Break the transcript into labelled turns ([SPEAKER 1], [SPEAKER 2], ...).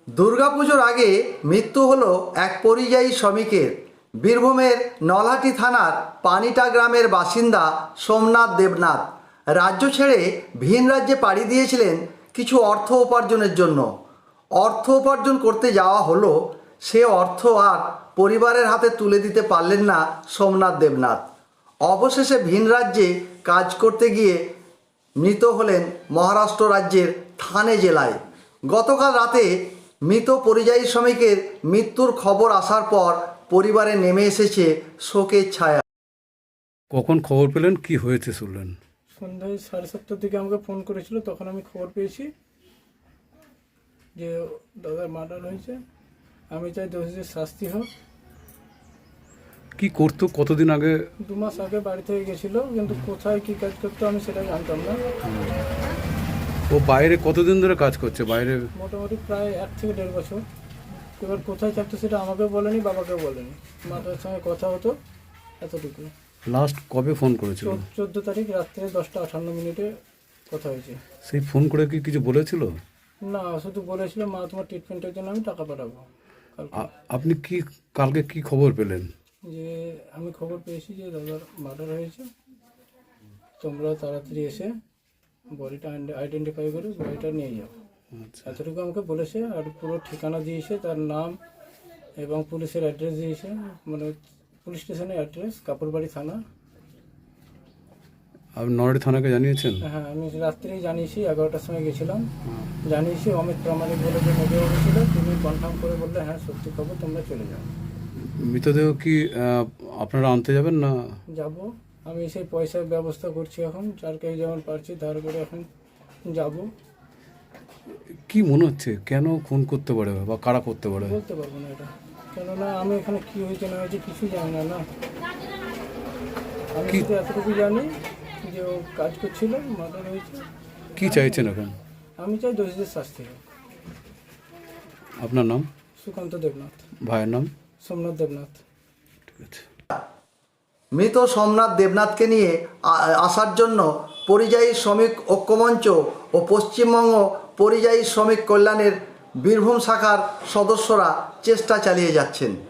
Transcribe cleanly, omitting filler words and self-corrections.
[SPEAKER 1] দুর্গাপুজোর আগে মৃত্যু হলো এক পরিযায়ী শ্রমিকের। বীরভূমের নলহাটি থানার পানিটা গ্রামের বাসিন্দা সোমনাথ দেবনাথ রাজ্য ছেড়ে ভিন রাজ্যে পাড়ি দিয়েছিলেন কিছু অর্থ উপার্জনের জন্য। অর্থ উপার্জন করতে যাওয়া হলো, সে অর্থ আর পরিবারের হাতে তুলে দিতে পারলেন না সোমনাথ দেবনাথ। অবশেষে ভিন রাজ্যে কাজ করতে গিয়ে মৃত হলেন মহারাষ্ট্র রাজ্যের থানে জেলায়। গতকাল রাতে মৃত পরিযায়ী শ্রমিকের মৃত্যুর খবর আসার পর পরিবারে নেমে এসেছে শোকের ছায়া।
[SPEAKER 2] কখন খবর পেলেন, কি হয়েছে শুনলেন?
[SPEAKER 3] সন্ধ্যায় 7:30টার দিকে আমাকে ফোন করেছিল, তখন আমি খবর পেয়েছি যে দাদার মার্ডার হয়েছে। আমি চাই দোষীদের শাস্তি হোক।
[SPEAKER 2] কি করতো কতদিন আগে?
[SPEAKER 3] 2 মাস আগে বাড়ি থেকে গেছিল, কিন্তু কোথায় কি কাজ করতো আমি সেটা জানতাম না।
[SPEAKER 2] ও বাইরে কতদিন ধরে কাজ করছে? বাইরে
[SPEAKER 3] মোটামুটি প্রায় 1 থেকে 1.5 বছর। এবার কোথায় থাকতো সেটা আমাকেও বলেনি, বাবাকেও বলেনি। মাতার সঙ্গে কথা হতো, এতটুকু।
[SPEAKER 2] লাস্ট কবে ফোন করেছিল?
[SPEAKER 3] 14 তারিখ রাত্রে 10:58 কথা হয়েছে।
[SPEAKER 2] সেই ফোন করে কি কিছু বলেছিল?
[SPEAKER 3] না, শুধু বলেছিল মা তোমার ট্রিটমেন্টের জন্য আমি টাকা পাঠাবো কালকে।
[SPEAKER 2] আপনি কি কালকে কি খবর পেলেন?
[SPEAKER 3] যে আমি খবর পেয়েছি যে দাদার মার্ডার হয়েছে, তোমরা তাড়াতাড়ি এসে বডিটা আইডেন্টিফাই করে বডিটা নিয়ে যাও। এতটুকু আমাকে বলেছে। আর পুরো ঠিকানা দিয়েছে, তার নাম এবং পুলিশের অ্যাড্রেস দিয়েছে, মানে পুলিশ স্টেশনের অ্যাড্রেস, কাপুরবাড়ি থানা।
[SPEAKER 2] আপনি নলহাটি থানাকে জানিয়েছেন?
[SPEAKER 3] হ্যাঁ, আমি রাত্রেই জানিয়েছি, 11টার সময় গেছিলাম, জানিয়েছি। অমিত প্রামাণিক বলে যে মেজর ছিল, তিনি কনফার্ম করে বললে হ্যাঁ সত্যি খবর, তোমরা চলে যাও।
[SPEAKER 2] মৃতদেহ কি আপনারা আনতে যাবেন না?
[SPEAKER 3] যাব, আমি সেই পয়সার ব্যবস্থা করছি এখন, যারকে যেমন পারছি ধার করে এখন যাব।
[SPEAKER 2] কি মনে হচ্ছে, কেন খুন করতে পারে বা কারা করতে পারে?
[SPEAKER 3] বলতে পারবো না এটা, কেননা আমি এখানে কি হয়েছে না হয়েছে কিছু জানি না। আমি শুধু এতটুকু জানি যে ও কাজ করছিল, মার্ডার হয়েছে।
[SPEAKER 2] কি চাইছেন এখন?
[SPEAKER 3] আমি চাই দোষীদের শাস্তি হোক।
[SPEAKER 2] আপনার নাম?
[SPEAKER 3] সুকান্ত দেবনাথ।
[SPEAKER 2] ভাইয়ের নাম?
[SPEAKER 3] সোমনাথ দেবনাথ।
[SPEAKER 2] ঠিক আছে।
[SPEAKER 1] মৃত সোমনাথ দেবনাথকে নিয়ে আসার জন্য পরিযায়ী শ্রমিক ঐক্যমঞ্চ ও পশ্চিমবঙ্গ পরিযায়ী শ্রমিক কল্যাণের বীরভূম শাখার সদস্যরা চেষ্টা চালিয়ে যাচ্ছেন।